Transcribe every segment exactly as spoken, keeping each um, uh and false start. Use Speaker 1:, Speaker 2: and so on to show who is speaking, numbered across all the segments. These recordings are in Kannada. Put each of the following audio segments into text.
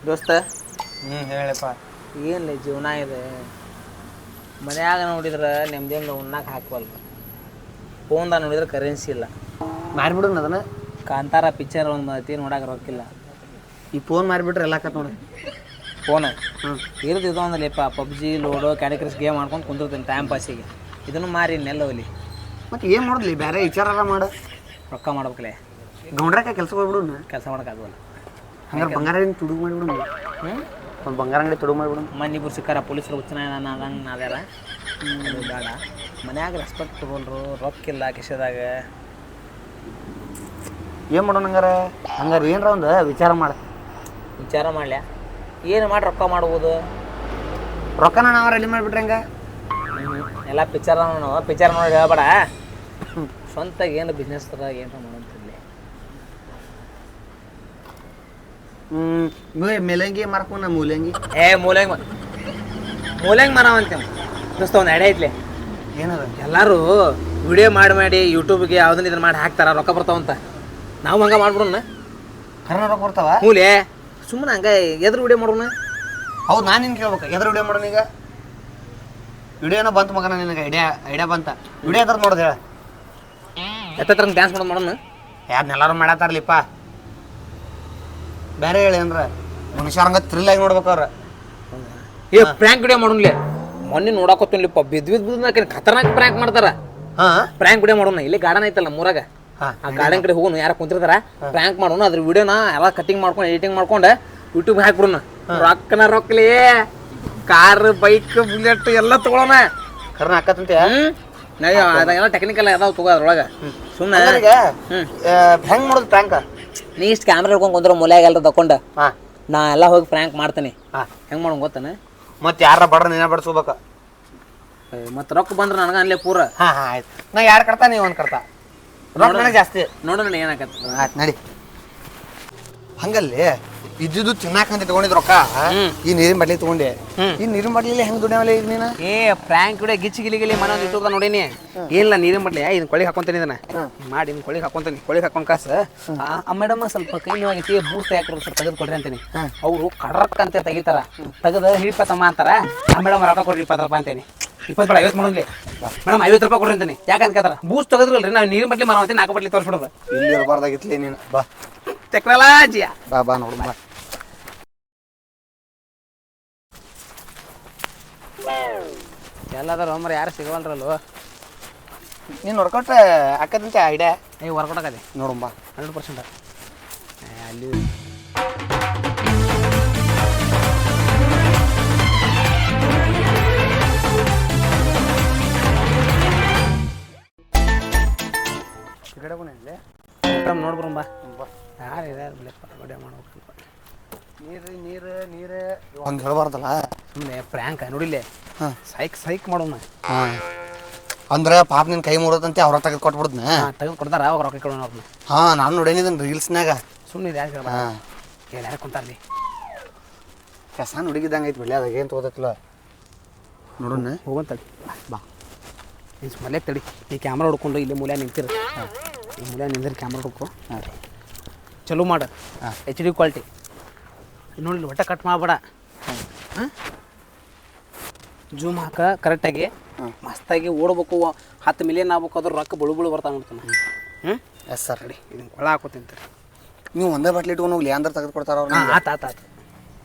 Speaker 1: ದೋಸ್ತ
Speaker 2: ಹ್ಞೂ ಹೇಳಪ್ಪ.
Speaker 1: ಏನಿಲ್ಲ ಜೀವನ ಇದೆ. ಮನ್ಯಾಗ ನೋಡಿದ್ರೆ ನೆಮ್ಮದಿಯಿಂದ ಉಣ್ಣಾಕ ಹಾಕವಲ್ರು. ಫೋನ್ದಾಗ ನೋಡಿದ್ರೆ ಕರೆನ್ಸಿ ಇಲ್ಲ.
Speaker 2: ಮಾರಿಬಿಡೋಣ ಅದನ್ನ.
Speaker 1: ಕಾಂತಾರ ಪಿಕ್ಚರ್ ಒಂದು ಮತಿ ನೋಡಕ್ಕೆ ರೊಕ್ಕಿಲ್ಲ.
Speaker 2: ಈ ಫೋನ್ ಮಾರಿಬಿಟ್ರೆ ಎಲ್ಲ ಆಕತ್ ನೋಡಿ.
Speaker 1: ಫೋನ್
Speaker 2: ಹ್ಞೂ
Speaker 1: ಇರೋದು ಇದು ಒಂದಲ್ಲಪ್ಪ, PUBG Ludo candy crush game ಮಾಡ್ಕೊಂಡು ಕುಂದಿರ್ತೀನಿ ಟೈಮ್ ಪಾಸಿಗೆ. ಇದನ್ನು ಮಾರಿ ನೆಲ್ಲವಲ್ಲಿ.
Speaker 2: ಮತ್ತೆ ಏನು ಮಾಡೋದ್ಲಿ, ಬೇರೆ ವಿಚಾರ ಮಾಡು.
Speaker 1: ರೊಕ್ಕ ಮಾಡ್ಬೇಕಲೇ.
Speaker 2: ಗೌಂಡ್ರಾಕ ಕೆಲ್ಸ ಹೋಗ್ಬಿಡು.
Speaker 1: ಕೆಲಸ ಮಾಡೋಕ್ಕಾಗಲ್ಲ.
Speaker 2: ಹಂಗಾರೆ ಬಂಗಾರ ತುಡುಗು ಮಾಡಿಬಿಡು.
Speaker 1: ಹ್ಞೂ
Speaker 2: ಒಂದು ಬಂಗಾರ ಅಂಗಡಿ ತುಡುಗು ಮಾಡಿಬಿಡು.
Speaker 1: ಮನ್ನಿಬ್ಬರು ಸಿಕ್ಕಾರ ಪೊಲೀಸರು ಹುಚ್ಚನ ನಾದಂಗೆ ನಾದ್ಯಾರ. ಅದು ಬೇಡ. ಮನ್ಯಾಗ ರೆಸ್ಪೆಕ್ಟ್ ತೊಗೊಂಡ್ರು, ರೊಕ್ಕಿಲ್ಲ ಕಿಶೆದಾಗ.
Speaker 2: ಏನು ಮಾಡೋಣ ಹಂಗಾರೆ? ಹಂಗಾರೆ ಏನರ ಒಂದು ವಿಚಾರ ಮಾಡು.
Speaker 1: ವಿಚಾರ ಮಾಡ್ಲ್ಯಾ? ಏನು ಮಾಡಿ ರೊಕ್ಕ ಮಾಡ್ಬೋದು?
Speaker 2: ರೊಕ್ಕನ ನಾವು ರೆಡಿ ಮಾಡಿಬಿಟ್ರೆ ಹಂಗೆ
Speaker 1: ಎಲ್ಲ ಪಿಕ್ಚರ್ ನಾವು ಪಿಕ್ಚರ್ ನೋಡಿ ಹೇಳ್ಬೇಡ. ಸ್ವಂತ ಏನು ಬಿಸ್ನೆಸ್ ಥರ ಏನರ ಮಾಡೋಂತಿರ್ಲಿ.
Speaker 2: ಹ್ಞೂ ಮೇಲಂಗಿ ಮಾರ್ಕೊಂಡು ಮೂಲಂಗಿ.
Speaker 1: ಏ ಮೂಲಂಗಿ ಮೂಲಂಗಿ ಮಾರವಂತೇವೆ ದೋಸ್ತ. ಒಂದು ಎಡೆ ಐತ್ಲಿ.
Speaker 2: ಏನದ?
Speaker 1: ಎಲ್ಲರೂ ವಿಡಿಯೋ ಮಾಡಿ ಮಾಡಿ ಯೂಟ್ಯೂಬ್ಗೆ ಯಾವ್ದನ್ನ ಇದನ್ನ ಮಾಡಿ ಹಾಕ್ತಾರ, ರೊಕ್ಕ ಬರ್ತಾವಂತ. ನಾವು ಹಂಗೆ ಮಾಡ್ಬಿಡೋಣ.
Speaker 2: ಕರ್ನ ರೊಕ್ಕ ಬರ್ತಾವ?
Speaker 1: ಮೂಲೆ ಸುಮ್ಮನೆ ಹಂಗೆ ಎದ್ರ ವಿಡಿಯೋ ಮಾಡೋಣ.
Speaker 2: ಹೌದು, ನಾನು ನಿನ್ಗೆ ಕೇಳ್ಬೇಕು, ಎದ್ರ ವಿಡಿಯೋ ಮಾಡೋಣ ಈಗ? ವಿಡಿಯೋನ ಬಂತು ಮಗನ ನಿನಗೆ? ಐಡಿಯಾ ಐಡಿಯಾ ಬಂತ. ವಿಡಿಯೋ ಎದ್ರ ನೋಡ್ದು ಹೇಳ.
Speaker 1: ಎತ್ತತ್ರ ಡ್ಯಾನ್ಸ್ ಮಾಡೋದು ಮಾಡೋಣ.
Speaker 2: ಯಾರನ್ನೆಲ್ಲರೂ ಮಾಡತ್ತಾರಲಿಪ್ಪ. ಬೇರೆ ಹೇಳಿ ಅಂದ್ರೆ ಮನುಷ್ಯರ ಹಂಗೆ ಥ್ರಿಲ್ ಆಗಿ ನೋಡ್ಬೇಕು ಅವ್ರ.
Speaker 1: ಏ ಪ್ರ್ಯಾಂಕ್ ವಿಡಿಯೋ ಮಾಡೋನ್ಲಿ. ಮೊನ್ನೆ ನೋಡಾಕೋತೀನಿಪ್ಪ, ಬಿದ್ದು ಬಿದ್ದು ಬಿದ್ದು ಖತರ್ನಾಕ್ ಪ್ರ್ಯಾಂಕ್ ಮಾಡ್ತಾರ.
Speaker 2: ಹಾಂ
Speaker 1: ಪ್ರ್ಯಾಂಕ್ ವಿಡಿಯೋ ಮಾಡೋಣ. ಇಲ್ಲಿ ಗಾರ್ಡನ್ ಐತಲ್ಲ ಮೂರಾಗ, ಆ ಗಾರ್ಡನ್ ಕಡೆ ಹೋಗೋಣ. ಯಾರು ಕುಂತಿರ್ತಾರ, ಪ್ರ್ಯಾಂಕ್ ಮಾಡೋಣ. ಅದ್ರ ವಿಡಿಯೋನ ಎಲ್ಲ ಕಟಿಂಗ್ ಮಾಡ್ಕೊಂಡು ಎಡಿಟಿಂಗ್ ಮಾಡ್ಕೊಂಡು ಯೂಟ್ಯೂಬ್ ಹಾಕ್ಬಿಡೋಣ. ರೊಕ್ಕನ ರೊಕ್ಕಲಿ ಕಾರ್ ಬೈಕ್ ಬುಲೆಟ್ ಎಲ್ಲ ತಗೊಳ್ಳೋಣ.
Speaker 2: ಕರ್ನ ಹಾಕತ್ತಂತೆ.
Speaker 1: ಹ್ಞೂ ಅದೆಲ್ಲ ಟೆಕ್ನಿಕಲ್ ಅದಾವ ತಗೋ ಅದ್ರೊಳಗೆ. ಸುಮ್ಮನೆ
Speaker 2: ಹೆಂಗೆ ಮಾಡೋದು ಪ್ರ್ಯಾಂಕ?
Speaker 1: ನೀ ಇಷ್ಟು ಕ್ಯಾಮ್ರಾ ಹಿಡ್ಕೊಂಡು ಕುಂದ್ರೆ ಮೂಲೆಯಾಗ ಎಲ್ಲರೂ ತಕೊಂಡು
Speaker 2: ಹಾಂ
Speaker 1: ನಾ ಎಲ್ಲ ಹೋಗಿ ಪ್ರ್ಯಾಂಕ್ ಮಾಡ್ತೀನಿ.
Speaker 2: ಹಾಂ
Speaker 1: ಹೆಂಗೆ ಮಾಡೋಣ ಗೊತ್ತಾನೆ?
Speaker 2: ಮತ್ತೆ ಯಾರ ಬಡ್ರ ನೀನ ಬಡ್ಸ್ಕೋಬೇಕು.
Speaker 1: ಮತ್ತು ರೊಕ್ಕ ಬಂದ್ರೆ ನನಗೆ ಅನ್ಲೇ ಪೂರ.
Speaker 2: ಹಾಂ ಹಾಂ ಆಯ್ತು. ನಾ ಎರಡು ಕಡ್ತಾ ನೀವು ಒಂದು ಕಡ್ತಾ. ರೊಕ್ಕ ನನಗೆ ಜಾಸ್ತಿ
Speaker 1: ನೋಡೋಣ ಏನಾಗತ್ತೆ.
Speaker 2: ಆಯ್ತು ನಡಿ. ಹಂಗಲ್ಲಿ ಇದ್ದಿದ್ದು ತಿನ್ನಾಕಂತ ತಗೊಂಡಿದ್ ರೊಕ್ಕ ಈ ನೀರಿನ ಬಡ್ಲಿ ತಗೊಂಡೆ. ಈ ನೀರಿನ ಬಡ್ಲಿ ಹೆಂಗ್ ದುಡಿಯವಲ್ಲ ಈಗ ನೀನು?
Speaker 1: ಏ ಫ್ರ್ಯಾಂಕ್ ಕೂಡ ಗಿಚ್ಚಿ ಗಿಲಿ ಗಿಲಿ ಮನೆ ಒಂದು ಇಟ್ಟು ನೋಡೀನಿ. ಏನಿಲ್ಲ ನೀರಿನ ಬಡ್ಲಿ ಇದನ್ನ ಕೊಳಿಗೆ ಹಾಕೊಂತೀನಿ. ಇದನ್ನ ಮಾಡಿ ಇನ್ನು ಕೊಳಿಗೆ ಹಾಕೊಂತೀನಿ. ಕೊಳಿಗೆ ಹಾಕೊಂಡ್ ಕಾಸು ಆ ಮೇಡಮ್ ಸ್ವಲ್ಪ ಕೈ ನೋವಾಗೈತಿ, ಬೂಟ್ ಯಾಕ್ರ ಸ್ವಲ್ಪ ತೆಗೆದು ಕೊಡ್ರಿ ಅಂತೀನಿ. ಅವರು ಕಡ್ರಕ್ ಅಂತ ತೆಗಿತಾರ. ತೆಗೆದು ಹಿಡಿಪತ್ತಮ್ಮ ಅಂತಾರ. ಆ ಮೇಡಮ್ ರೊಕ್ಕ ಕೊಡ್ರಿ ಇಪ್ಪತ್ತು ರೂಪಾಯಿ ಅಂತೀನಿ. ಇಪ್ಪತ್ತು ರೂಪಾಯಿ ಐವತ್ತು ಮಾಡೋದ್ಲಿ. ಮೇಡಮ್ ಐವತ್ತು ರೂಪಾಯಿ ಕೊಡ್ರಿ ಅಂತೀನಿ. ಯಾಕಂತ ಕೇಳ್ತಾರ, ಬೂಸ್ಟ್ ತೆಗೆದ್ರಲ್ರಿ ನಾವು ನೀರಿನ ಬಡ್ಲಿ ಮಾರವಂತೀನಿ. ನಾಲ್ಕು ಬಡ್ಲಿ ತೋರಿಸ್ಬಿಡೋದು.
Speaker 2: ಇಲ್ಲಿ ಇರಬಾರ್ದಾಗಿತ್ಲಿ ನೀನು. ಬಾ
Speaker 1: ಟೆಕ್ನಾಲಜಿಯ
Speaker 2: ಬಾ ಬಾ ನೋಡು ಬಾ.
Speaker 1: ಎಲ್ಲದಾರ ಒಮ್ಮರೆ ಯಾರು ಸಿಗವಲ್ರಲ್ವ.
Speaker 2: ನೀನು ವರ್ಕೌಟ್ ಹಾಕದಂತೆ ಐಡಿಯಾ.
Speaker 1: ಏ ವರ್ಕೌಟ್ ಆಗದೆ
Speaker 2: ನೋಡುಂಬ
Speaker 1: ಹಂಡ್ರೆಡ್ ಪರ್ಸೆಂಟ್. ಅಲ್ಲಿ ನೋಡ್ಬರಂಬ. ಯಾರು ಇದಾರೆ ವಿಡಿಯೋ ಮಾಡ್ಬೇಕಂತ.
Speaker 2: ನೀರು ನೀರು ನೀರು ಹಂಗೆ ಹೇಳ್ಬಾರ್ದಲ್ಲ.
Speaker 1: ಸುಮ್ಮನೆ ಪ್ರ್ಯಾಂಕ್ ನೋಡಿಲ್ಲ. ಹಾಂ ಸೈಕ್ ಸೈಕ್ ಮಾಡೋಣ.
Speaker 2: ಹಾಂ ಅಂದ್ರೆ ಪಾಪ ನಿನ್ನ ಕೈ ಮುರಿದಂತೆ ಅವ್ರ ತೆಗೆದು ಕೊಟ್ಬಿಡ್ದ್ನ.
Speaker 1: ತೆಗೆದು ಕೊಡ್ತಾರ ಅವಾಗ ರೊಕ್ಕ ಕೊಡೋಣ ಅವ್ರನ್ನ.
Speaker 2: ಹಾಂ ನಾನು ನೋಡೇನಿದ್ದೀನಿ ರೀಲ್ಸ್ನಾಗ.
Speaker 1: ಸುಮ್ಮನೆ ಯಾರು ಹೇಳ. ಹಾಂ ಏನು ಯಾರು ಕುಂತಾರ್ಲಿ.
Speaker 2: ಕೆಸಾನ್ ಹುಡುಗಿದ್ದಂಗೆ ಐತಿ ಬಿಡ್ಲಿ. ಅದಾಗ ಏನು ತಗೋದತ್ತಿಲ್ಲ ನೋಡೋಣ.
Speaker 1: ಹೋಗಂತಡಿ ಬಾ. ನೀನು ಮಲ್ಯ ತಡಿ. ಈ ಕ್ಯಾಮ್ರಾ ಹೊಡ್ಕೊಂಡು ಇಲ್ಲಿ ಮೂಲ್ಯ ನಿಂತಿರ. ಈ ಮೂಲ್ಯ ನಿಂದಿರ ಕ್ಯಾಮ್ರಾ ಹುಡ್ಕೊ. ಹಾಂ ಚಲೋ ಮಾಡು. ಹಾಂ ಎಚ್ ಡಿ ಕ್ವಾಲಿಟಿ ನೋಡಿಲ್ಲ. ಒಟ್ಟ ಕಟ್ ಮಾಡಬೇಡ. ಹಾಂ ಜೂಮ್ ಹಾಕ ಕರೆಕ್ಟಾಗಿ. ಮಸ್ತಾಗಿ ಓಡ್ಬೇಕು. ಹತ್ತು ಮಿಲಿಯನ್ ಆಗ್ಬೇಕು. ಅದ್ರ ರೊಕ್ಕ ಬಳು ಬಳು ಬರ್ತಾವೆ ನೋಡ್ತಾನೆ. ಹ್ಞೂ
Speaker 2: ಎಸ್ ಸರ್.
Speaker 1: ರೆಡಿ. ಇದನ್ನು ಕೊಳ ಹಾಕೋತಿಂತೀರಿ.
Speaker 2: ನೀವು ಒಂದೇ ಬಾಟ್ಲಿ ಇಟ್ಕೊಂಡು ಹೋಗ್ಲಿ ಅಂದ್ರೆ ತೆಗೆದು ಕೊಡ್ತಾರ ಅವ್ರು.
Speaker 1: ಹಾಂ ಆತು ಆತು ಆತು.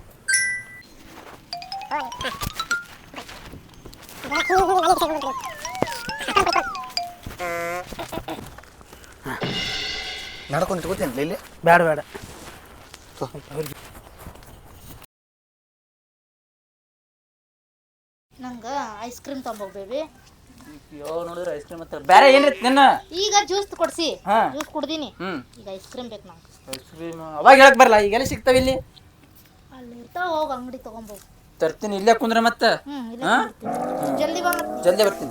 Speaker 2: ನಡ್ಕೊಂಡು ತಗೋತೀನಿ ಇಲ್ಲಿ.
Speaker 1: ಬೇಡ ಬೇಡ.
Speaker 3: ನಂಗೆ ಐಸ್ ಕ್ರೀಮ್ ತೊಂಬೋಗ್ ಬೇಬಿ.
Speaker 1: ಅಯ್ಯೋ ನೋಡಿದ್ರೆ ಐಸ್ ಕ್ರೀಮ್ ಮತ್ತೆ ಬೇರೆ ಏನಿತ್ತು ನಿನ್ನ?
Speaker 3: ಈಗ ಜ್ಯೂಸ್ ಕೊಡ್ಸಿ. ಜ್ಯೂಸ್ ಕುಡ್ದೀನಿ. ಈಗ ಐಸ್ ಕ್ರೀಮ್ ಬೇಕು ನಂಗೆ.
Speaker 1: ಐಸ್ ಕ್ರೀಮ್ ಅವಾಗ ಹೇಳಕ್ ಬರಲ್ಲ. ಈಗೆಲ್ಲ ಸಿಗ್ತಾವ ಇಲ್ಲಿ?
Speaker 3: ಅಲ್ಲಿ ಇರ್ತಾವ, ಹೋಗಿ ಅಂಗಡಿ ತಗೊಂಬೋಗ್.
Speaker 1: ತರ್ತೀನಿ. ಇಲ್ಲೇ ಕುಂದ್ರೆ ಮತ್ತೆ.
Speaker 3: ಹ್ಞೂ ಇಲ್ಲ ಜಲ್ದಿ ಬಾ.
Speaker 1: ಜಲ್ದಿ ಬರ್ತೀನಿ.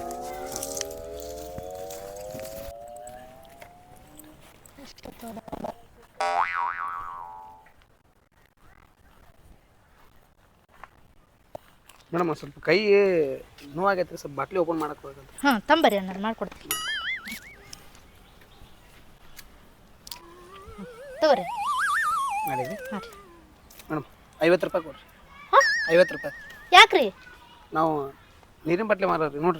Speaker 1: ಮೇಡಮ್ ಸ್ವಲ್ಪ ಕೈ ನೋವಾಗೈತೆ. ಸ್ವಲ್ಪ ಬಾಟ್ಲಿ ಓಪನ್ ಮಾಡಕ್ಕೆ ಹೋಗಂತ.
Speaker 3: ಹಾಂ ತಂಬರಿ ಅಣ್ಣ ಮಾಡ್ಕೊಡ್ತೀನಿ. ತಗೋರಿ
Speaker 1: ಮಾಡಿದ್ರಿ
Speaker 3: ಹಾಂ
Speaker 1: ಮೇಡಮ್. ಐವತ್ತು ರೂಪಾಯಿ ಕೊಡ್ರಿ
Speaker 3: ಹಾ?
Speaker 1: ಐವತ್ತು ರೂಪಾಯಿ
Speaker 3: ಯಾಕ್ರಿ
Speaker 1: ನಾವು ನೀರಿನ ಬಟ್ಲೆ ಮಾರೋರಿ ನೋಡ್ರಿ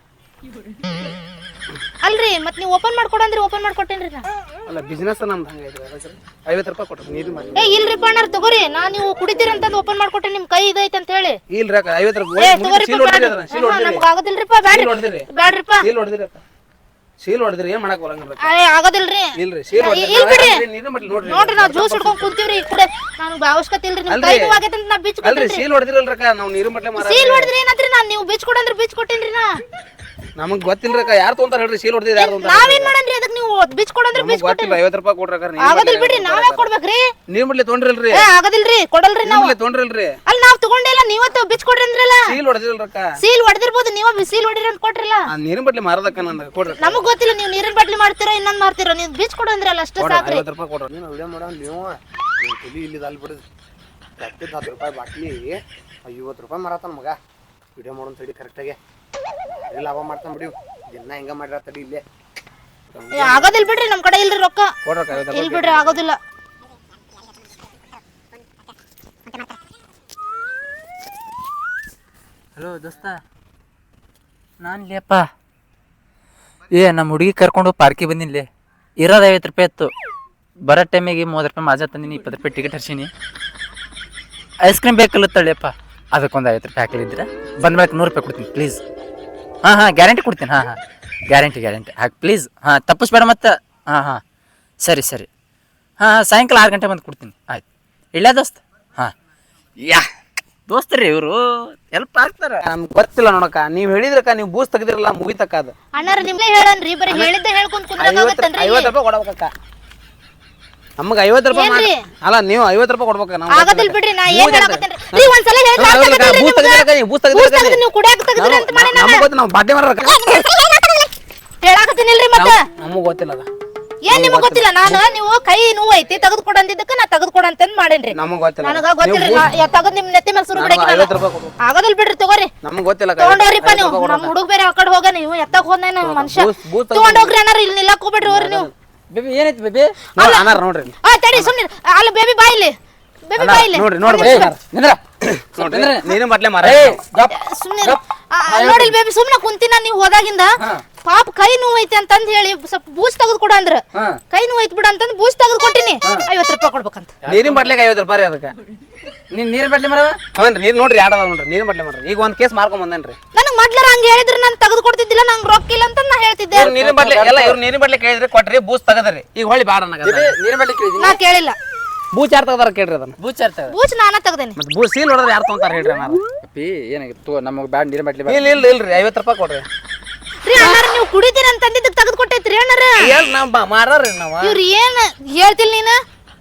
Speaker 3: ಅಲ್ರಿ ಮತ್ ನೀವು ಓಪನ್ ಮಾಡ್ಕೊಡಂದ್ರಿ ಓಪನ್ ಮಾಡ್ಕೊಟ್ಟೇನ್ರಿ ನಾ
Speaker 1: ಅಲ್ಲ ಬಿಸ್ನೆಸ್ ನಮ್ದು ಹಂಗೈತ್ರಿ ಅದಕ್ಕೆ ಐವತ್ತು ರೂಪಾಯಿ ಕೊಡ್ರಿ ನೀರಿನ ಬಟ್ಲೆ
Speaker 3: ಏ ಇಲ್ರಿಪ್ಪ ಅಣ್ಣಾರ ತಗೋರಿ ನಾ ನೀವು ಕುಡಿತೀರಿ ಅಂತಂದ್ ಓಪನ್ ಮಾಡ್ಕೊಟ್ಟೆ ನಿಮ್ ಕೈ ಇದೈತೆ ಅಂತ ಹೇಳಿ
Speaker 1: ಇಲ್ರಿ ಅಕ್ಕ ಐವತ್ತು
Speaker 3: ಏ
Speaker 1: ರೂಪಾಯಿ
Speaker 3: ತಗೋರಿಪ್ಪ
Speaker 1: ಸೀಲ್ ಹೊಡ್ದಿರಿ
Speaker 3: ಬ್ಯಾಡ್ರಿ.
Speaker 1: ಅದನ್ನ ಸೀಲ್
Speaker 3: ಹಾ,
Speaker 1: ಹೊಡ್ದಿರಿ
Speaker 3: ನಮ್ಗ್ ಆಗೋದಿಲ್ರಿಪ್ಪ ಬ್ಯಾಡ್ರಿ
Speaker 1: ಸೀಲ್ ಹೊಡ್ದಿರಿ
Speaker 3: ಬ್ಯಾಡ್ರಿಪ್ಪ
Speaker 1: ಸೀಲ್ ಹೊಡ್ದಿರಿ ಅಕ್ಕ ಸೀಲ್ ಹೊಡ್ದಿರಿ ಏನ್ ಮಾಡಕ್ ಬರಂಗಿಲ್ಲ
Speaker 3: ಏ ಆಗೋದಿಲ್ರಿ
Speaker 1: ಇಲ್ರಿ ಸೀಲ್
Speaker 3: ಇಲ್ ಬಿಡ್ರಿ.
Speaker 1: ಹೊಡ್ದಿರಿ ನೀರಿನ ಬಟ್ಲೆ ನೋಡ್ರಿ
Speaker 3: ನೋಡ್ರಿ ನಾವ್ ಜ್ಯೂಸ್ ಹಿಡ್ಕೊಂಡ್ ಕುಂತೀವ್ರಿ ಕುಡೆ ನನ್ಗೆ ಅವಶ್ಯಕತೆ ಇಲ್ರಿ ನಿಮ್ ಕೈ ನೋವಾಗೈತೆ ಅಂತ ನಾ ಬಿಚ್
Speaker 1: ಅಲ್ರಿ ಸೀಲ್ ಹೊಡ್ದಿರಲ್ರಕ್ಕ ನಾವು ನೀರಿನ ಬಟ್ಲೆ ಮಾರ
Speaker 3: ಸೀಲ್ ಹೊಡೆದ್ರಿ ಏನಂತ್ರಿ ನಾನ್ ನೀವು ಬಿಚ್ ಕೊಡಂದ್ರೆ ಬಿಚ್ ಕೊಟ್ಟೇನ್ರಿ ನಾ
Speaker 1: ನಮಗ್ ಗೊತ್ತಿಲ್ರಕ್ಕ ಯಾರು ತೊಗೊಂತಾರ ಹೇಳ್ರಿ ಸೀಲ್ ಹೊಡ್ದಿರಿ ಯಾರು ತೊಗೊಂತಾರ
Speaker 3: ನಾವೇನ್ ಮಾಡನ್ರಿ ಅದಕ್ಕೆ ನೀವು ಬಿಚ್ ಕೊಡಂದ್ರೆ ಬಿಚ್
Speaker 1: ಗೊತ್ತಿಲ್ಲ ಐವತ್ತು ರೂಪಾಯಿ ಕೊಡ್ರಕ್ಕ
Speaker 3: ಆಗೋದಿಲ್ ಬಿಡ್ರಿ ನಾವೇ ಕೊಡ್ಬೇಕ್ರಿ
Speaker 1: ನೀರಿನ ಬಟ್ಲೆ ತೊಗೊಂಡ್ರಿಲ್ರಿ
Speaker 3: ಏ ಆಗೋದಿಲ್ರಿ ಕೊಡಲ್ರಿ
Speaker 1: ನೀರಿನ
Speaker 3: ನಾವು
Speaker 1: ಬಟ್ಲೆ ತೊಗೊಂಡ್ರಿಲ್ರಿ
Speaker 3: ಅಲ್ಲಿ ನಾವ್ ತಗೊಂಡಿಲ್ಲ ನೀವತ್ತು ಬಿಚ್ ಕೊಡ್ರಿ ಅಂದ್ರಲ್ಲ
Speaker 1: ಸೀಲ್ ಹೊಡ್ದಿರಲ್ರಕ್ಕ
Speaker 3: ಸೀಲ್ ಹೊಡೆದಿರ್ಬೋದು ನೀವ ಸೀಲ್ ಹೊಡಿರಿ ಅಂತ ಕೊಟ್ರಲ್ಲ
Speaker 1: ಆ ನೀರಿನ ಬಟ್ಲೆ ಮಾರದಕ್ಕ ನಂದು ಕೊಡ್ರಿ
Speaker 3: ನಮಗ್ ಗೊತ್ತಿಲ್ಲ ನೀವು ನೀರಿನ ಬಾಟ್ಲಿ ಮಾಡ್ತೀರಾ ಇನ್ನೊಂದ್ ಮಾಡ್ತೀರಾ ನೀವು ಬಿಚ್ ಕೊಡು ಅಂದ್ರಲ್ಲ ಅಷ್ಟೇ ಸಾಕ್ರಿ
Speaker 1: ಐವತ್ತು ರೂಪಾಯಿ ಕೊಡ್ರಿ
Speaker 2: ನೀನು ವಿಡಿಯೋ ಮಾಡೋ ನೀವು ನೀನು ತಲೆ ಇಲ್ಲಿ ಅಲ್ಲಿ ಬಿಡುದು ಹತ್ತಿದ್ದು ಹತ್ತು ರೂಪಾಯಿ ಬಾಟ್ಲಿ ಐವತ್ತು ರೂಪಾಯಿ ಮಾರತಾನ ಮಗ ವಿಡಿಯೋ ಮಾಡೋನ್ ತಡಿ ಕರೆಕ್ಟಾಗಿ ಇಲ್ಲಿ ಲಾಭ ಮಾಡ್ತಾನೆ ಬಿಡಿ ದಿನ ಹಿಂಗೆ ಮಾಡಿರ ತಡಿ ಇಲ್ಲೇ
Speaker 3: ಏ, ಆಗೋದಿಲ್ ಬಿಡ್ರಿ ನಮ್ ಕಡೆ ಇಲ್ರಿ ರೊಕ್ಕ
Speaker 1: ಕೊಡ್ರಕ್ಕ ಐವತ್ತು
Speaker 3: ಇಲ್ ಬಿಡ್ರಿ ಆಗೋದಿಲ್ಲ
Speaker 4: ಹಲೋ ದೋಸ್ತ ನಾನು ಲೇಪ್ಪ ಏ ನಮ್ಮ ಹುಡುಗಿ ಕರ್ಕೊಂಡು ಪಾರ್ಕಿಗೆ ಬಂದಿನಿ ಇರೋದು ಐವತ್ತು ರೂಪಾಯಿ ಇತ್ತು ಬರೋ ಟೈಮಿಗೆ ಮೂವತ್ತು ರೂಪಾಯಿ ಮಾಜಾ ತಂದಿನಿ ಇಪ್ಪತ್ತು ರೂಪಾಯಿ ಟಿಕೆಟ್ ಹರ್ಸೀನಿ ಐಸ್ ಕ್ರೀಮ್ ಬೇಕಲ್ಲತ್ತಳ್ಳಿಯಪ್ಪ ಅದಕ್ಕೊಂದು ಐವತ್ತು ರೂಪಾಯಿ ಹಾಕಲಿದ್ರೆ ಬಂದ್ಮೇಲೆ ನೂರು ರೂಪಾಯಿ ಕೊಡ್ತೀನಿ ಪ್ಲೀಸ್ ಹಾಂ ಹಾಂ ಗ್ಯಾರಂಟಿ ಕೊಡ್ತೀನಿ ಹಾಂ ಹಾಂ ಗ್ಯಾರಂಟಿ ಗ್ಯಾರಂಟಿ ಹಾಕಿ ಪ್ಲೀಸ್ ಹಾಂ ತಪ್ಪಿಸ್ಬೇಡ ಮತ್ತೆ ಹಾಂ ಹಾಂ ಸರಿ ಸರಿ ಹಾಂ ಹಾಂ ಸಾಯಂಕಾಲ ಆರು ಗಂಟೆ ಬಂದು ಕೊಡ್ತೀನಿ ಆಯ್ತು ಇಲ್ಲ ದೋಸ್ತ ಹಾಂ ಯಾ ದೋಸ್ತರಿ ಇವರು ಎಲ್ಪ್ ಆಗ್ತಾರ
Speaker 1: ನಮ್ಗೆ ಗೊತ್ತಿಲ್ಲ ನೋಡಕ್ಕ ನೀವ್ ಹೇಳಿದ್ರಕ್ಕ ನೀವು ಬೂಸ್ ತೆಗ್ದಿರಲ್ಲ ಮುಗಿತಕ್ಕ ಅದು
Speaker 3: ಅಣ್ಣಾರ ನಿಮ್ಗೆ ಹೇಳನ್ರಿ ಬರೀ ಹೇಳಿದ್ದೆ ಹೇಳ್ಕೊಂಡ್
Speaker 1: ಐವತ್ತು
Speaker 3: ಕುಂದ್ರಾಗತ್ತನ್ರಿ
Speaker 1: ಐವತ್ತು ರೂಪಾಯಿ ಕೊಡ್ಬೇಕಕ್ಕ ನಮಗೆ ಐವತ್ತು ರೂಪಾಯಿ ಮಾಡಿ ಅಲ್ಲ ನೀವು ಐವತ್ತು ರೂಪಾಯಿ ಕೊಡ್ಬೇಕ ನಾವು
Speaker 3: ಆಗೋದಿಲ್ ಬಿಡ್ರಿ ನಾ ಏನ್ ಹೇಳಕತ್ತೇನ್ರಿ ನೀ ಒಂದ್ಸಲ ಹೇಳಿದ್ರೆ ಅರ್ಥ ಆಗತ್ತಲ್ರಿ
Speaker 1: ಬೂಸ್
Speaker 3: ನಿಮ್ಗೆ?
Speaker 1: ತೆಗ್ದಿರಕ್ಕ ನೀವು ಬೂಸ್
Speaker 3: ಬೂಸ್
Speaker 1: ತೆಗ್ದಿರಕ್ಕ
Speaker 3: ತೆಗ್ದು ನೀವು ಕುಡಿಯಾಕ ತೆಗ್ದ್ರಿ ಅಂತ ಮಾಡಿ ನಾನು
Speaker 1: ನಮಗೆ ಗೊತ್ತು ನಾವು ಬಾಟ್ಲಿ ಮಾರಕ್ಕ
Speaker 3: ಹೇಳಾಕತ್ತೀನಿಲ್ರಿ ಮತ್ತೆ
Speaker 1: ನಮಗೆ ಗೊತ್ತಿಲ್ಲ ಅದ
Speaker 3: ಏನ್ ನಿಮಗ್ ಗೊತ್ತಿಲ್ಲ ನಾನು ನೀವು ಕೈ ನೋವು ಐತಿ ತೆಗೆದು ಕೊಡ ಅಂದಿದ್ದಕ್ಕೆ ನಾ ತೆಗೆದು ಕೊಡ ಅಂತಂದ್ ಮಾಡೇನ್ರಿ
Speaker 1: ನಮಗೆ ಗೊತ್ತಿಲ್ಲ
Speaker 3: ನನಗ ಗೊತ್ತಿಲ್ರಿ ತೆಗೆದು ನಿಮ್ ನೆತ್ತಿ ಮೇಲೆ ಸುರು ಬಿಡಕ್ಕೆ
Speaker 1: ಐವತ್ತು ರೂಪಾಯಿ ಕೊಡ್ಬೇಕು
Speaker 3: ಆಗೋದಿಲ್ ಬಿಡ್ರಿ ತಗೋರಿ
Speaker 1: ನಮಗೆ ಗೊತ್ತಿಲ್ಲ
Speaker 3: ತಗೊಂಡೋಗ್ರಿಪ್ಪ ನೀವು ನಮ್ ಹುಡುಗ ಬೇರೆ ಆ ಕಡೆ ಹೋಗ ನೀವು ಎತ್ತಕ್ ಹೋದ ಮನುಷ್ಯ
Speaker 1: ಬೂಸ್- ಬೂಸ್ ತೆಗ್ದು-
Speaker 3: ತಗೊಂಡೋಗ್ರಿ ಅನ್ನಾರ ಇಲ್ಲಿ ನಿಲ್ಲಕ್ ಹೋಗ್ಬೇಡ್ರಿ ಹೋಗ್ರಿ ನೀವು
Speaker 4: ಬೇಬಿ ಏನೈತಿ ಬೇಬಿ
Speaker 1: ನೋಡಿ ಅನಾರ ನೋಡ್ರಿ
Speaker 3: ಆ ತಡಿ ಸುಮ್ನೆ ಅಲ್ಲಿ ಬೇಬಿ ಬಾಯಿಲಿ ಬೇಬಿ ಬಾಯಿಲಿ
Speaker 1: ನೋಡ್ರಿ ನೋಡ್ರಿ
Speaker 4: ನಿಂದ್ರ
Speaker 1: ನೋಡ್ರಿ ನೀನು ಬಾಟ್ಲೆ ಮಾರ
Speaker 3: ಸುಮ್ನೆ ನೋಡಿ ಬೇಬಿ ಸುಮ್ನೆ ಕುಂತಿನ ನೀವು ಹೋದಾಗಿಂದ ಪಾಪ ಕೈ ನೋವು ಐತಿ ಅಂತಂದ್ ಹೇಳಿ ಸ್ವಲ್ಪ ಬೂಸ್ ತೆಗೆದು ಕೊಡ ಅಂದ್ರ ಕೈ ನೋವು ಐತಿ ಬಿಡ ಅಂತಂದ್ ಬೂಸ್ ತೆಗೆದು ಕೊಟ್ಟಿನಿ ಐವತ್ತು ರೂಪಾಯಿ ಕೊಡ್ಬೇಕಂತ
Speaker 1: ನೀರಿನ ಬಾಟ್ಲಿಗೆ ಐವತ್ತು ರೂಪಾಯಿ ಅದಕ್ಕೆ
Speaker 4: ನೀನ್ ನೀರ್ ಬಾಟ್ಲಿ ಮರವ
Speaker 1: ಹೌನ್ರಿ ನೀರು ನೋಡ್ರಿ ಯಾಡದ ನೋಡ್ರಿ ನೀರಿನ ಬಾಟ್ಲಿ ಮಾಡ್ರಿ ಈಗ ಒಂದ್ ಕೇಸ್ ಮಾರ್ಕೊಂಡ್ ಬಂದೇನ್ರಿ
Speaker 3: ನನಗ್ ಮೊದ್ಲಾರ ಹಂಗ ಹೇಳಿದ್ರೆ ನಾನು ತೆಗೆದು ಕೊಡ್ತಿದ್ದಿಲ್ಲ ನಂಗೆ ರೊಕ್ಕ ಇಲ್ಲ ಅಂತ ನಾ ಹೇಳ್ತಿದ್ದೆ
Speaker 1: ಇವ್ರು ನೀರಿನ ಬಾಟ್ಲಿ ಎಲ್ಲ ಇವ್ರು ನೀರಿನ ಬಾಟ್ಲಿ ಕೇಳಿದ್ರಿ ಕೊಟ್ರಿ ಬೂಸ್ ತೆಗದ್ರಿ ಈಗ ಹೊಳ್ಳಿ ಬಾಡ
Speaker 4: ನೀರ್ ಬಾಟ್ಲಿ ಕೇಳಿದೀನಿ
Speaker 3: ನಾ ಕೇಳಿಲ್ಲ
Speaker 1: ಬೂಚ್ ಯಾರು ತೆಗದಾರ ಕೇಳ್ರಿ ಅದನ್ನ
Speaker 4: ಬೂಚಾರ್ತಾವ
Speaker 3: ಬೂಚ್ ನಾನ ತೆಗ್ದೇನಿ
Speaker 1: ಮತ್ತೆ ಬೂಸ್ ಸೀಲ್ ಹೊಡೆದ್ರೆ ಯಾರು ತೊಗೊಂತಾರ ಹೇಳ್ರಿ ಅಣ್ಣ
Speaker 4: ಅಪ್ಪಿ ಏನಾಗಿತ್ತು ನಮಗ್ ಬ್ಯಾಡ್ ನೀರ್ ಬಾಟ್ಲಿ
Speaker 1: ಇಲ್ಲ ಇಲ್ಲ ಇಲ್ರಿ ಐವತ್ತು ರೂಪಾಯಿ ಕೊಡ್ರಿ
Speaker 3: ರೀ ಅಣ್ಣಾರ ನೀವು ಕುಡಿತೀರ ಅಂತ ಅಂದಿದ್ದಕ್ಕೆ ತೆಗೆದು ಕೊಟ್ಟೈತ್ರಿ ಅಣ್ಣಾರ
Speaker 1: ಏನ್ ನಾವ್ ಮಾರಾರಿ ನಾವ
Speaker 3: ಇವ್ರು ಏನ್ ಹೇಳ್ತಿಲ್ ನೀನ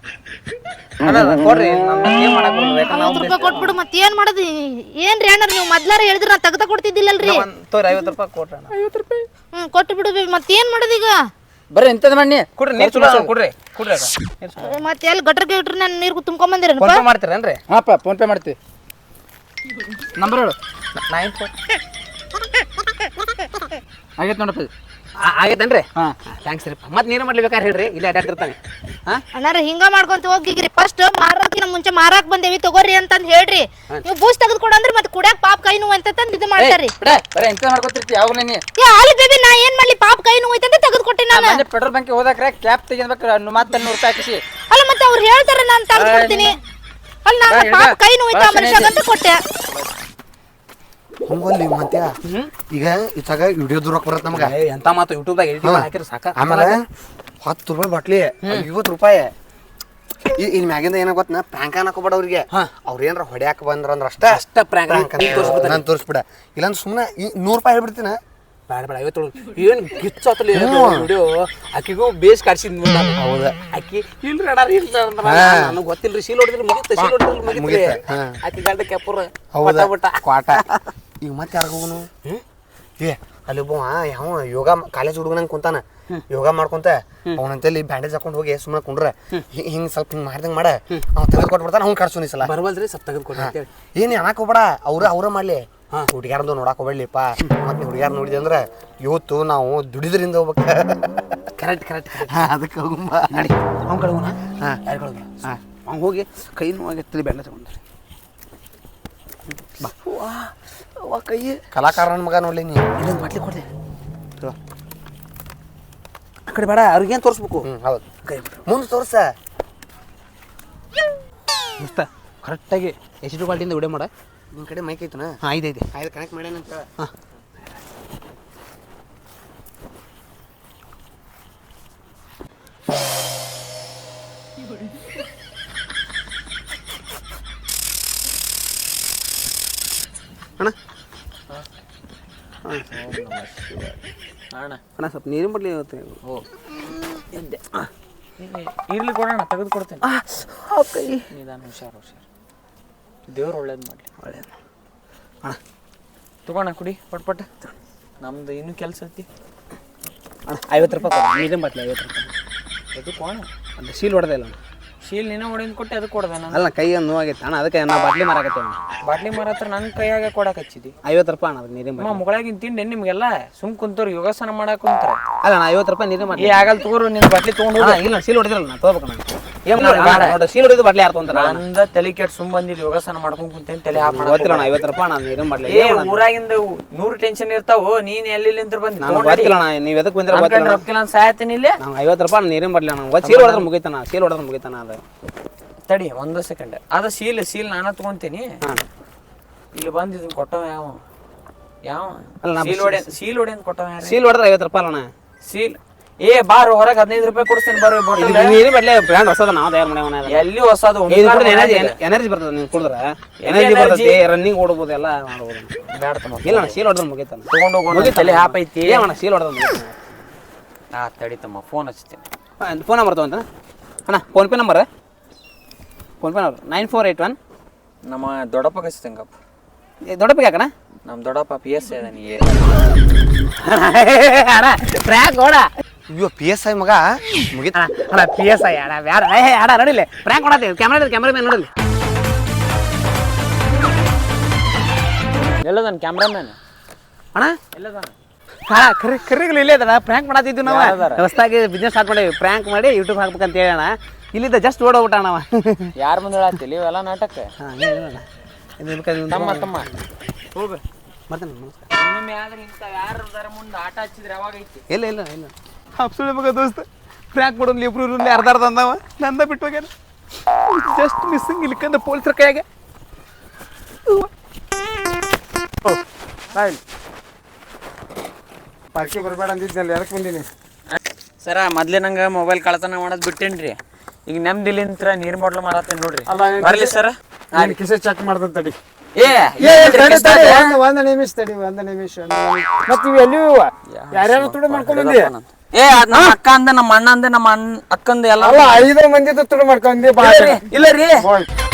Speaker 1: ಅಣ್ಣ ಕೊಡ್ರಿ ನಮ್ ಏನ್ ಮಾಡಕ್ ಬರ್ತದೆ ಯಾಕಂದ್ರೆ
Speaker 3: ಐವತ್ತು ರೂಪಾಯಿ ಕೊಟ್ಬಿಡು ಮತ್ತೆ ಏನ್ ಮಾಡೋದು ಏನ್ರಿ ಅಣ್ಣಾರ ನೀವು ಮೊದ್ಲಾರ ಹೇಳಿದ್ರೆ ನಾ ತೆಗ್ದ ಕೊಡ್ತಿದ್ದಿಲ್ಲಲ್ರಿ
Speaker 1: ಒಂದ್ ತೋರಿ ಐವತ್ತು ರೂಪಾಯಿ ಕೊಡ್ರಿ ಅಣ್ಣ ಐವತ್ತು ರೂಪಾಯಿ
Speaker 3: ಹ್ಮ್ ಕೊಟ್ಟು ಬಿಡು ಮತ್ತೆ ಏನ್ ಮಾಡೋದು ಈಗ
Speaker 4: ಬರ್ರಿ ಎಂತದ ಮಾಡಿ
Speaker 1: ಕೊಡ್ರಿ ನೀರ್ ಚಲೋ ಅದಾವ, ಕೊಡ್ರಿ ಕೊಡ್ರಿ ಅಕ್ಕ. ನೀರ್ ಚಲೋ.
Speaker 3: ಮತ್ತೆ ಎಲ್ಲಿ ಗಟ್ರ ಗಿಟ್ರ ನಾನು ನೀರು ತುಂಬ್ಕೊಂಡ್ ಬಂದಿರೇನಪ್ಪ
Speaker 1: ಫೋನ್ ಪೇ ಮಾಡ್ತೀರೇನ್ರಿ
Speaker 4: ಹಾಪ ಫೋನ್ ಪೇ ಮಾಡ್ತೀವಿ ನಂಬರ್ ಹೇಳು
Speaker 1: ನೈನ್ ಫೋರ್
Speaker 4: ಆಗೈತೆ ನೋಡಪ್ಪ
Speaker 1: ಆಗೈತೇನ್ರಿ
Speaker 4: ಹಾ
Speaker 1: ಥ್ಯಾಂಕ್ಸ್ ರೀ ಮತ್ತೆ ನೀರು ಮಾಡ್ಲಿಬೇಕಾದ್ರೆ ಹೇಳ್ರಿ ಇಲ್ಲಿ ಅಡ್ಡಾಡ್ತಿರ್ತಾನೆ ಹಾ
Speaker 3: ಅಣ್ಣಾರ ಹಿಂಗ ಮಾಡ್ಕೊಂತ ಹೋಗಿಗ್ರಿ ಫಸ್ಟ್ ಮಾರಾಕಿನ ಮುಂಚೆ ಮಾರಾಕ್ ಬಂದೇವಿ ತಗೋರಿ ಅಂತಂದ್ ಹೇಳ್ರಿ ನೀವು ಬೂಸ್ ತೆಗೆದು ಕೊಡಂದ್ರೆ ಮತ್ತೆ ಕುಡ್ಯಾಕ ಪಾಪ ಕೈ ನೋವು ಅಂತ ತಂದ್ ಇದು ಮಾಡ್ತಾರ್ರಿ
Speaker 4: ಬಿಡ ಬರೀ ಎಂತ ಮಾಡ್ಕೊತಿರ್ತಿ ಯಾವಾಗ ನೀ
Speaker 3: ಏ ಅಲ್ಲಿ ಬೇಬಿ ನಾ ಏನ್ ಮಾಡ್ಲಿ ಪಾಪ ಕೈ ನೋವು ಐತೆ ಅಂತ ತೆಗೆದು ಕೊಟ್ಟೆ ನಾನು
Speaker 4: ಮೊನ್ನೆ ಪೆಟ್ರೋಲ್ ಬಂಕ್ ಹೋದಾಕ್ರೆ ಕ್ಯಾಪ್ ತೆಗಿಬೇಕು ಮತ್ತೆ ನೂರು ರೂಪಾಯಿ ಹಾಕಿಸಿ
Speaker 3: ಅಲ್ಲ ಮತ್ತೆ ಅವ್ರು ಹೇಳ್ತಾರೆ ನಾನು ತೆಗೆದು ಕೊಡ್ತೀನಿ ಅಲ್ಲಿ ನಾನು ಪಾಪ ಕೈ ನೋವು ಐತೆ ಆ ಮನುಷ್ಯಗಂತ ಕೊಟ್ಟೆ
Speaker 2: ಹಂಗಲ್ಲಿ ಮತ್ತೆ ಈಗ ಇತ್ತಾಗ ವಿಡಿಯೋ ದೂರಕ್ಕೆ ಬರತ್ತೆ ನಮ್ಗೆ
Speaker 1: ಏ, ಎಂತ ಮಾತು ಯೂಟ್ಯೂಬ್ದಾಗ ಎಡಿಟ್ ಮಾಡಿ ಹಾಕಿರಿ ಸಾಕ
Speaker 2: ಆಮೇಲೆ ಹತ್ತು ರೂಪಾಯಿ ಬಾಟ್ಲಿ ಐವತ್ತು ರೂಪಾಯಿ ಈ- ಇನ್ ಮ್ಯಾಗಿಂದ ಏನ ಗೊತ್ತ ಪ್ರ್ಯಾಂಕ್ ಹಾಕೋಬೇಡ ಅವ್ರಿಗೆ ಅವ್ರ ಏನಾರ ಹೊಡ್ಯಾಕ ಬಂದ್ರ ಅಂದ್ರ ಅಷ್ಟ
Speaker 1: ಅಷ್ಟ prank ನೀನ್ ತೋರ್ಸ್ಬಿಡ್ತಾನೆ.
Speaker 2: ನಾನು ತೋರಿಸ್ಬಿಡ ಇಲ್ಲಾಂದ್ರೆ ಸುಮ್ಮನೆ ಈ ನೂರು ರೂಪಾಯಿ ಹೇಳ್ಬಿಡ್ತೀನ
Speaker 1: ಬೇಡ ಬೇಡ ಐವತ್ತು ಏನು ಗಿಚ್ಚತ್ತಲ್ಲ ವಿಡಿಯೋ ಆಕಿಗೂ ಬೇಸ್ ಕಾಡ್ಸಿದ್ ಹೌದಾ ಆಕಿ ಇಲ್ರಿ ಅಡಾರ ಇಲ್ಲ ನನಗೆ ಗೊತ್ತಿಲ್ರಿ ಶೀಲ್ ಹೊಡಿದ್ರೆ ಮುಗಿತ ಶೀಲ್ ಹೊಡಿದ್ರೆ ಮುಗಿತ ಆಕಿ ಗಂಡ ಕೆಪ್ಪರ
Speaker 2: ಹೌದಾ
Speaker 1: ಬಿಟ್ಟ
Speaker 2: ಕ್ವಾಟ ಈಗ ಮತ್ತೆ ಯಾರು ಹೋಗುನು ಏ ಅಲ್ಲಿ ಒಬ್ಬ ಯಾವ ಯೋಗ ಕಾಲೇಜ್ ಹುಡುಗನಂಗೆ ಕುಂತಾನ ಯೋಗ ಮಾಡ್ಕೊಂತ ಅವನಂತಲ್ಲಿ ಬ್ಯಾಂಡೇಜ್ ಹಾಕೊಂಡು ಹೋಗಿ ಸುಮ್ಮನೆ ಕುಂಡ್ರ ಹಿಂಗ್ ಸ್ವಲ್ಪ ಹಿಂಗ್ ಮಾಡ್ದಂಗ್ ಮಾಡ ಅವ್ ತೆಗೆದು ಕೊಟ್ಬಿಡ್ತಾನ ಅವ್ನು ಕಳ್ಸೋನಿ ಸಲ
Speaker 1: ಬರ್ಬಲ್ರಿ ಸ್ವಲ್ಪ ತೆಗೆದು ಕೊಡಿ ಅಂತೇಳಿ
Speaker 2: ಏನ್ ಅನ್ನಕ್ ಹೋಗ್ಬೇಡ ಅವ್ರ ಅವ್ರ ಮಾಡ್ಲಿ ಹುಡುಗ್ಯಾರ್ದು ನೋಡಕ್ ಹೋಗ್ಬೇಡ್ಲಿಪ್ಪ ಮತ್ತೆ ಹುಡುಗ್ಯಾರ ನೋಡಿದೆ ಅಂದ್ರೆ ಇವತ್ತು ನಾವು ದುಡಿದ್ರಿಂದ ಹೋಗ್ಬೇಕ
Speaker 1: ಕರೆಕ್ಟ್ ಕರೆಕ್ಟ್
Speaker 2: ಅದಕ್ಕೆ ಹೋಗುಂಬ
Speaker 1: ನಡಿ ಅವ್ನ ಕಡೆ ಹೋಗೋಣ ಯಾರು ಕಡೆ ಅವ್ನು ಹೋಗಿ ಕೈ ನೋವಾಗಿರ್ತದೆ ಬೆಲ್ಲ ತಗೊಂಡ್ರಿ ಬಾ
Speaker 2: ವಾ ಕೈ ಕಲಾಕಾರನ ಮಗ ನೋಡ್ಲಿ ನೀ
Speaker 1: ಇಲ್ಲೊಂದು ಬಾಟ್ಲಿ ಕೊಡ್ದೆ ಆ ಕಡೆ ಬೇಡ ಅವ್ರಿಗೇನು ತೋರಿಸ್ಬೇಕು
Speaker 2: ಹ್ಞೂ ಹೌದು
Speaker 1: ಕೈ
Speaker 2: ಮುಂದೆ ತೋರ್ಸ
Speaker 1: ಮಸ್ತ ಕರೆಕ್ಟಾಗಿ ಎಷ್ಟು ಬಾಲ್ಟಿಯಿಂದ ವಿಡಿಯೋ ಮಾಡ
Speaker 2: ನಿನ್ನ ಕಡೆ ಮೈಕ್ ಐತನ
Speaker 1: ಹಾಂ ಐದೈತೆ
Speaker 2: ಆಯ್ತು ಕನೆಕ್ಟ್ ಮಾಡ್ಯಾನಂತ
Speaker 1: ಹಾಂ ಅಣ್ಣ
Speaker 4: ಅಣ್ಣ
Speaker 1: ಅಣ್ಣ ಸ್ವಲ್ಪ ನೀರಿನ ಬಡ್ಲಿ ಇವತ್ತು
Speaker 4: ಓ ಇರ್ಲಿ ಕೊಡೋಣ ತೆಗೆದು ಕೊಡ್ತೇನೆ
Speaker 1: ಕೈ
Speaker 4: ನಿಧಾನ ಹುಷಾರು ಹುಷಾರು ದೇವ್ರು ಒಳ್ಳೇದು ಮಾಡಲಿ
Speaker 1: ಒಳ್ಳೇದು ಅಣ್ಣ
Speaker 4: ತಗೋಣ ಕುಡಿ ಪಟ್ ಪಟ್ ನಮ್ದು ಇನ್ನೂ ಕೆಲಸ ಐತಿ
Speaker 1: ಅಣ್ಣ ಐವತ್ತು ರೂಪಾಯಿ ಕೊಡ ನೀರಿನ ಬಾಟ್ಲಿ ಐವತ್ತು ರೂಪಾಯಿ
Speaker 4: ಅದು ಕೋಣ
Speaker 1: ಅದು ಶೀಲ್ ಹೊಡೆದ ಇಲ್ಲ ಅಣ್ಣ
Speaker 4: ಶೀಲ್ ನೀನು ಹೊಡೆದು ಕೊಟ್ಟೆ ಅದು ಕೊಡ್ದೆ ನಾನು
Speaker 1: ಅಲ್ಲ ಕೈ ಒಂದು ನೋವಾಗೈತೆ ಅಣ್ಣ ಅದಕ್ಕೆ ನಾ ಬಾಟ್ಲಿ ಮಾರಾಕತ್ತೇವೆ ಅಣ್ಣ
Speaker 4: ಬಾಟ್ಲಿ ಮಾರ ಹತ್ರ ನನ್ನ ಕೈಯಾಗ ಕೊಡಕ್ಕೆ ಹಚ್ಚಿದಿ
Speaker 1: ಐವತ್ತು ರೂಪಾಯಿ ಅಣ್ಣ ಅದು ನೀರಿನ
Speaker 4: ಅಮ್ಮ
Speaker 1: ಬಾಟ್ಲಿ
Speaker 4: ಮುಗಳಾಗಿನ ತಿಂಡಿ ನಿಮ್ಗೆಲ್ಲ ಸುಮ್ ಕುಂತವ್ರು ಯೋಗಾಸನ ಮಾಡಕ್ ಕುಂತಾರ
Speaker 1: ಅಲ್ಲ ಅಣ್ಣ ಐವತ್ತು ರೂಪಾಯಿ ನೀರಿನ
Speaker 4: ಏ
Speaker 1: ಬಾಟ್ಲಿ
Speaker 4: ಆಗಲ್ ತಗೋರು ನಿನ್ನ ಬಾಟ್ಲಿ ತಗೊಂಡು
Speaker 1: ಅಣ್ಣ ಇಲ್ಲ ಶೀಲ್ ಹೊಡೆದಿರಲ್ಲ ನಾ ತಗೋಬೇಕಣ್ಣ ಏನು ನೋಡಿ ಶೀಲ್ ಹೊಡೆದು ಬಾಟ್ಲಿ ಯಾರು ತೊಗೊಂತಾರ
Speaker 4: ನಂದ ತಲೆ ಕೆಟ್ಟು ಸುಮ್ ಬಂದಿದ್ದು ಯೋಗಾಸನ ಮಾಡ್ಕೊಂಡ್ ಕುಂತೇನೆ ತಲೆ ಹಾಪ್
Speaker 1: ಗೊತ್ತಿಲ್ಲ ಅಣ್ಣ ಐವತ್ತು ರೂಪಾಯಿ ಅಣ್ಣ ನೀರಿನ ಬಾಟ್ಲಿ
Speaker 4: ಏ ಊರಾಗಿಂದ ನೂರು ಟೆನ್ಷನ್ ಇರ್ತಾವ ನೀನ್ ಎಲ್ಲಿ ನಿಂತ್ರ ಬಂದಿ
Speaker 1: ನನಗೆ ಗೊತ್ತಿಲ್ಲ ಅಣ್ಣ ನೀವು ಎದಕ್ಕೆ ಬಂದಿರ ಗೊತ್ತಿಲ್ಲ
Speaker 4: ರೊಕ್ಕಿಲ್ಲ ಸಾಯತ್ತೀನಿ ಇಲ್ಲೇ
Speaker 1: ನಾವು ಐವತ್ತು ರೂಪಾಯಿ ಅಣ್ಣ ನೀರಿನ ಬಾಟ್ಲಿ ಅಣ್ಣ ಒಂದು ಶೀಲ್ ಹೊಡೆದ್ರೆ ಮುಗಿತಾನ ಶೀಲ್ ಹೊಡೆದ್ರೆ ಮುಗಿತಾನ ಅದು
Speaker 4: ತಡಿ ಒಂದು ಸೆಕೆಂಡ್ ಅದ ಸೀಲ್ ಸೀಲ್ ನಾನ ತಗೊಂತೀನಿ
Speaker 1: ಹಾಂ
Speaker 4: ಇಲ್ಲಿ ಬಂದು ಇದನ್ನ ಕೊಟ್ಟವ ಯಾವ ಯಾವ
Speaker 1: ಅಲ್ಲ, ನಾ
Speaker 4: ಸೀಲ್ ಹೊಡೆ ಸೀಲ್ ಹೊಡೆ ಅಂತ ಕೊಟ್ಟವ ಯಾರು
Speaker 1: ಶೀಲ್ ಹೊಡೆದ್ರೆ ಐವತ್ತು ರೂಪಾಯಿ ಅಣ್ಣ
Speaker 4: ಸೀಲ್ ಏ ಬಾರು ಹೊರಗೆ ಹದಿನೈದು ರೂಪಾಯಿ ಕೊಡ್ತೀನಿ ಬರ್ರಿ ಬಾಟಲ್
Speaker 1: ನೀರಿನ ಬಾಟ್ಲಿ ಬ್ರ್ಯಾಂಡ್ ಹೊಸದ ನಾವು ತಯಾರು ಮಾಡ್ಯಾವ
Speaker 4: ಎಲ್ಲಿ ಹೊಸದು
Speaker 1: ಎನರ್ಜಿ ಎನರ್ಜಿ ಬರ್ತದೆ ನೀವು ಕುಡಿದ್ರೆ ಎನರ್ಜಿ ಬರ್ತದೆ ರನ್ನಿಂಗ್ ಓಡ್ಬೋದು ಎಲ್ಲ ಮಾಡ್ಬೋದು
Speaker 4: ಬೇಡ ತಮ್ಮ
Speaker 1: ಇಲ್ಲ ಅಣ್ಣ ಶೀಲ್ ಹೊಡೆದ್ರೆ ಮುಗಿತಾನ
Speaker 4: ತಗೊಂಡು ಹೋಗೋಣ ತಲೆ ಹಾಪ್ ಐತಿ
Speaker 1: ಏ ಅಣ್ಣ ಶೀಲ್ ಹೊಡೆದ್ರೆ ಮುಗಿತಾನ
Speaker 4: ಆ ತಡಿ ತಮ್ಮ ಫೋನ್ ಹಚ್ತೀನಿ
Speaker 1: ಫೋನ್ ನಂಬರ್ ತಗೊಂತ ಅಣ್ಣ PhonePe number PhonePe number nine four eight one
Speaker 4: ನಮ್ಮ ದೊಡ್ಡಪ್ಪ ಹಚ್ತಂಗಪ್ಪ
Speaker 1: ದೊಡ್ಡಪ್ಪ ಯಾಕಣ್ಣ
Speaker 4: ನಮ್ಮ ದೊಡ್ಡಪ್ಪ ಪಿ ಎಸ್ ಇದಾನೆ
Speaker 1: ಅಣ್ಣ ಫ್ರ್ಯಾಕ್ ಓಡ
Speaker 2: ಅಯ್ಯೋ ಪಿ ಎಸ್ ಐ ಮಗ ಮುಗಿತ
Speaker 1: ಅಣ್ಣ ಪಿ ಎಸ್ ಐ ಅಣ್ಣ ಬ್ಯಾಡ ಏ ಅಣ್ಣ ನೋಡಿಲ್ಲ ಫ್ರ್ಯಾಕ್ ಮಾಡತ್ತೀವಿ ಕ್ಯಾಮ್ರಾ ಕ್ಯಾಮ್ರಾ ಮೇಲೆ ನೋಡಿಲ್ಲ
Speaker 4: ಎಲ್ಲದಾನ ಕ್ಯಾಮ್ರಾಮ್ಯಾನ್
Speaker 1: ಅಣ್ಣ
Speaker 4: ಎಲ್ಲದಾನ
Speaker 1: ಹಾ ಕರಿ ಕರಿಗಳು ಇಲ್ಲೇ ಅದಣ್ಣ ಪ್ರ್ಯಾಂಕ್ ಮಾಡತ್ತಿದ್ವಿ ನಾವು
Speaker 4: ಯಾರದಾರ?
Speaker 1: ಹೊಸದಾಗಿ ಬಿಸ್ನೆಸ್ ಸ್ಟಾರ್ಟ್ ಮಾಡೀವಿ ಪ್ರ್ಯಾಂಕ್ ಮಾಡಿ ಯೂಟ್ಯೂಬ್ ಹಾಕ್ಬೇಕಂತ ಹೇಳೋಣ ಇಲ್ಲಿದ್ದ ಜಸ್ಟ್ ಓಡೋಗ್ಬಿಟ್ಟ ಅಣ್ಣ
Speaker 4: ಯಾರ ಮುಂದೆ ಹೇಳತ್ತಿಲ್ಲ ಇವೆಲ್ಲ ನಾಟಕ
Speaker 1: ಹಾಂ ಏನು ಇದು
Speaker 4: ತಮ್ಮ ತಮ್ಮ ಹೋಗ
Speaker 1: ಬರ್ತೇನೆ ನಮಸ್ಕಾರ
Speaker 4: ಇನ್ನೊಮ್ಮೆ ಆದ್ರೆ ಇಂಥ ಯಾರದಾರ ಮುಂದೆ ಆಟ ಹಚ್ಚಿದ್ರೆ ಯಾವಾಗ ಐತಿ
Speaker 1: ಇಲ್ಲ ಇಲ್ಲ ಇಲ್ಲ ಹಾಪ್ಸುಳಿ ಮಗ ದೋಸ್ತ ಪ್ರ್ಯಾಂಕ್ ಮಾಡೋದು ಇಬ್ರು ಇರಲ್ಲಿ ಅರ್ಧ ಅರ್ಧ ಅಂದವ ನಂದ ಬಿಟ್ಟು ಹೋಗ್ಯಾನ ಜಸ್ಟ್ ಮಿಸ್ಸಿಂಗ್ ಇಲ್ಕಂದ ಪೊಲೀಸರ ಕೈಯಾಗ
Speaker 2: ಪಾರ್ಕಿ ಬರಬೇಡ ಅಂದಿದ್ದಲ್ಲ ಯಾಕೆ ಬಂದೀನಿ
Speaker 4: ಸರ ಮೊದ್ಲೇ ನಂಗೆ ಮೊಬೈಲ್ ಕಳತನ ಮಾಡೋದು ಬಿಟ್ಟೇನ್ರಿ ಈಗ ನೆಮ್ಮದಿಲಿಂತ್ರ ನೀರ್ ಬಾಟ್ಲ್ ಮಾರತ್ತೇನೆ ನೋಡ್ರಿ ಬರ್ಲಿ ಸರ್
Speaker 5: ನಾನು ಕಿಸೆ ಚೆಕ್ ಮಾಡ್ದಂತ ತಡಿ
Speaker 4: ಏ
Speaker 5: ಒಂದ್ ಒಂದ್ ನಿಮಿಷ ತಡಿ ಒಂದ್ ನಿಮಿಷ ಮತ್ ಇವ್ ಎಲ್ಲಿ ಯಾರ್ಯಾರು ತುಡು ಮಾಡ್ಕೊಂಡ್ ಬಂದಿ
Speaker 4: ಏ ಅದ್ ನಮ್ಮ ಅಕ್ಕ ಅಂದ ನಮ್ಮ ಅಣ್ಣ ಅಂದ ನಮ್ಮ ಅಣ್ಣ ಅಕ್ಕಂದ ಎಲ್ಲ
Speaker 5: ಅಲ್ಲ ಐದು ಮಂದಿ ತುಡು ಮಾಡ್ಕೊಂಡಿ ಬಾ
Speaker 4: ಇಲ್ಲ ರೀ
Speaker 5: ಹೋಯ್